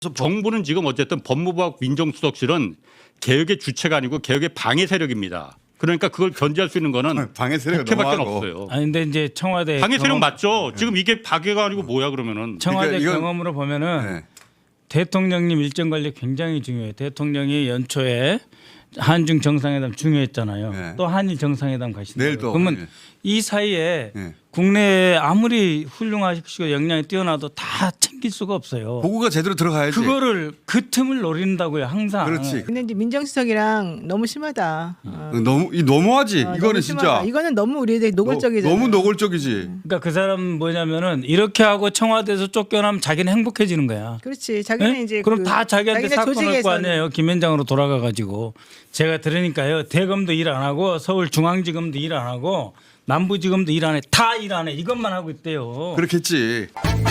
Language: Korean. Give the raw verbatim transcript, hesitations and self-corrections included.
정부는 지금 어쨌든 법무부와 민정수석실은 개혁의 주체가 아니고 개혁의 방해 세력입니다. 그러니까 그걸 견제할 수 있는 거는 방해 세력이 국회밖에 너무하고. 없어요. 아니 근데 이제 청와대 방해 세력 경험, 맞죠? 지금 이게 방해가 아니고 뭐야 그러면은. 청와대 그러니까 이건- 경험으로 보면은 네. 대통령님 일정 관리 굉장히 중요해요. 대통령이 연초에 한중 정상회담 중요했잖아요. 네. 또 한일 정상회담 가신다. 내일 또, 그러면 예. 이 사이에 네. 국내에 아무리 훌륭하시고 역량이 뛰어나도 다 챙길 수가 없어요. 보고가 제대로 들어가야지. 그거를 그 틈을 노린다고요. 항상. 그렇지. 근데 이제 민정수석이랑 너무 심하다. 어. 너무 이 너무하지. 어, 이거는 너무 진짜 심하다. 이거는 너무 우리에게 노골적이잖아. 너무 노골적이지. 그러니까 그 사람 뭐냐면은 이렇게 하고 청와대에서 쫓겨나면 자기는 행복해지는 거야. 그렇지. 자기는 네? 이제 그럼 그 다 자기한테 자기네 사건 할 거 조직에서는- 아니에요. 김현장으로 돌아가가지고 제가 들으니까요. 대검도 일 안 하고 서울중앙지검도 일 안 하고 남부지검도 일 안 해. 다 일 안 해. 이것만 하고 있대요. 그렇겠지.